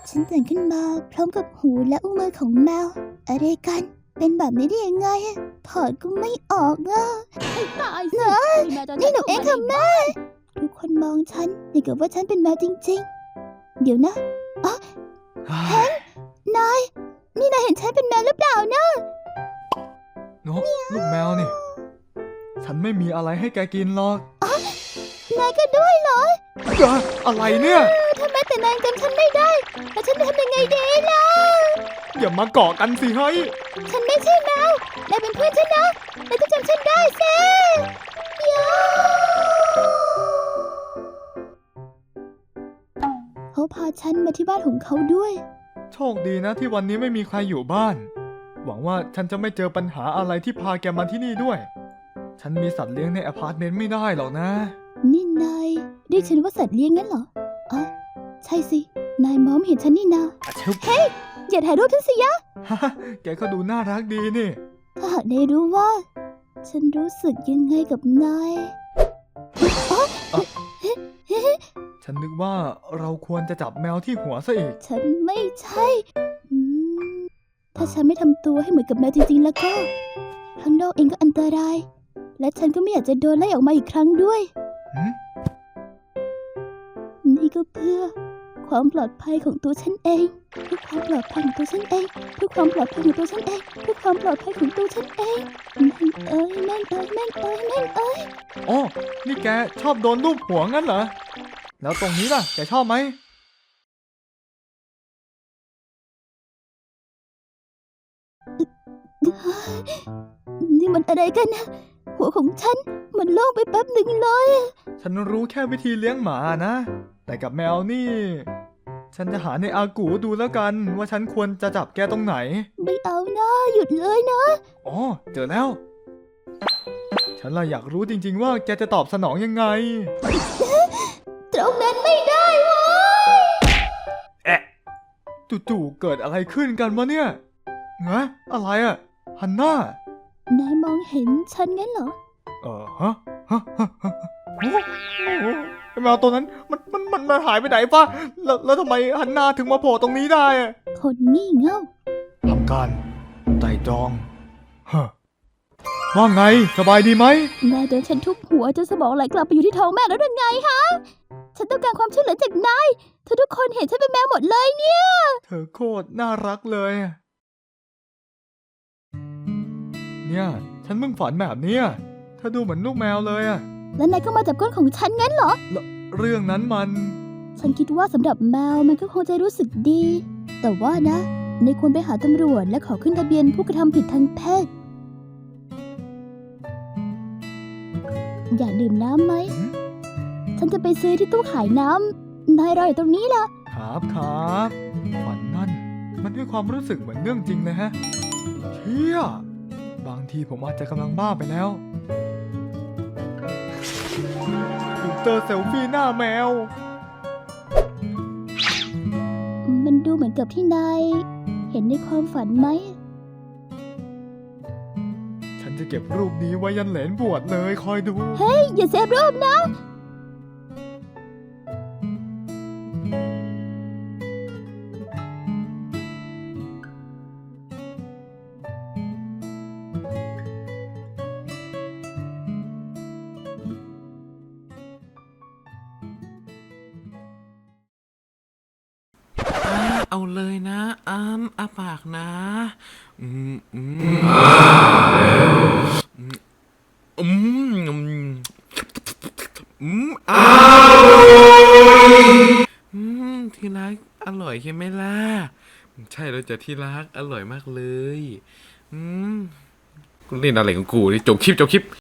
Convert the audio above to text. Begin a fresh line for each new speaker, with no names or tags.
ฉันตื่นขึ้นมาพร้อมกับหูและอุ้งมือของแมวอะไรกันเป็นแบบนี้ได้ยังไงถอดก็ไม่ออก
ให้ตายสิ
นี่หนูเองค่ะแม่ทุกคนมองฉันอย่างกับว่าฉันเป็นแมวจริงๆเดี๋ยวนะอ๋อเฮ้ยนายนี่นายเห็นฉันเป็นแมวหรือเปล่านะ
นกลูกแมวนี่ฉันไม่มีอะไรให้แกกินหรอก
นายก็ด้วยเหรอ
อะไรเนี่ย
ทำไมแต่นายจำฉันไม่ได้แล้วฉันจะทำยังไงดีล่ะ
อย่ามาเกาะกันสิเฮ้ย
ฉันไม่ใช่แมวนายเป็นเพื่อนฉันนะนายต้องจำฉันได้สิเขาพาฉันมาที่บ้านของเขาด้วย
โชคดีนะที่วันนี้ไม่มีใครอยู่บ้านหวังว่าฉันจะไม่เจอปัญหาอะไรที่พาแกมาที่นี่ด้วยฉันมีสัตว์เลี้ยงในอพาร์ตเมนต์ไม่ได้หรอกนะ
นี่นายเรียกฉันว่าสัตว์เลี้ยงงั้นเหรออ๋อใช่สินายมองเห็นฉันนี่นาเฮ้ยอย่าถ่ายรูปฉันสิยะ
แกก็ดูน่ารักดีนี่
ถ้าหากนายรู้ว่าฉันรู้สึกยังไงกับนาย
ฉันนึกว่าเราควรจะจับแมวที่หัวซะอีก
ฉันไม่ใช่ถ้าฉันไม่ทำตัวให้เหมือนกับแมวจริงๆแล้วก็ข้างนอกเองก็อันตรายและฉันก็ไม่อยากจะโดนไล่ออกมาอีกครั้งด้วยนี่ก็เพื่อความปลอดภัยของตัวฉันเองเพื่อความปลอดภัยของตัวฉันเองเพื่อความปลอดภัยของตัวฉันเองเพื่อความปลอดภัยของตัวฉันเองแม่งเอ้ย
อ๋อนี่แกชอบโดนลูบหัวงั้นเหรอแล้วตรงนี้ล่ะแกชอบไหม
นี่มันอะไรกันนะหัวของฉันมันโล่งไปแป๊บหนึ่งเลย
ฉันรู้แค่วิธีเลี้ยงหมานะแต่กับแมวนี่ฉันจะหาในอากูดูแล้วกันว่าฉันควรจะจับแกตรงไหน
ไม่เอานะหยุดเลยนะ
อ๋อเจอแล้วฉันเลยอยากรู้จริงๆว่าแกจะตอบสนองยังไง
ตรงนั้นไม่ได้วะ
จู่ๆเกิดอะไรขึ้นกันวะเนี่ยอะไรอะฮันน่
านายมองเห็นฉันงั้นเหรอ
ฮะแมวตัวนั้นมันหายไปไหนปะแล้วทำไมฮันน่าถึงมาโผล่ตรงนี้ได้อะ
คนงี่เง่า
ทำการไต่ตรองว่าไงสบายดีไหม
นายโดนฉันทุบหัวจนสมองไหลกลับไปอยู่ที่ท้องแม่แล้วยังไงฮะฉันต้องการความช่วยเหลือจากนายทุกคนเห็นฉันเป็นแมวหมดเลยเนี่ย
เธอโคตรน่ารักเลยเนี่ยฉันเพิ่งฝันแบบนี้เธอดูเหมือนลูกแมวเลยอะ
แล้วนายก็มาจับก้นของฉันงั้นเหรอ
เรื่องนั้น
ฉันคิดว่าสำหรับแมวมันก็คงจะรู้สึกดีแต่ว่านะนายควรไปหาตำรวจและขอขึ้นทะเบียนผู้กระทำผิดทางเพศอยากดื่มน้ำไหมฉันจะไปซื้อที่ตู้ขายน้ำนายรออยู่ตรงนี้ล่ะ
ครับฝันนั่นมันให้ความรู้สึกเหมือนเรื่องจริงเลยฮะเชี่ยบางทีผมอาจจะกำลังบ้าไปแล้วฟิลเตอร์เซลฟี่หน้าแมว
มันดูเหมือนกับที่นายเห็นในความฝันไหม
ฉันจะเก็บรูปนี้ไว้ยันเหลนบวชเลยคอยดู
เฮ้ยอย่าเซฟรูปนะ
เอาเลยนะอ้าปากนะที่รักอร่อยใช่ไหมล่ะใช่แล้วจ้ะที่รักอร่อยมากเลยกูเล่นอะไรของกูนี่จบคลิป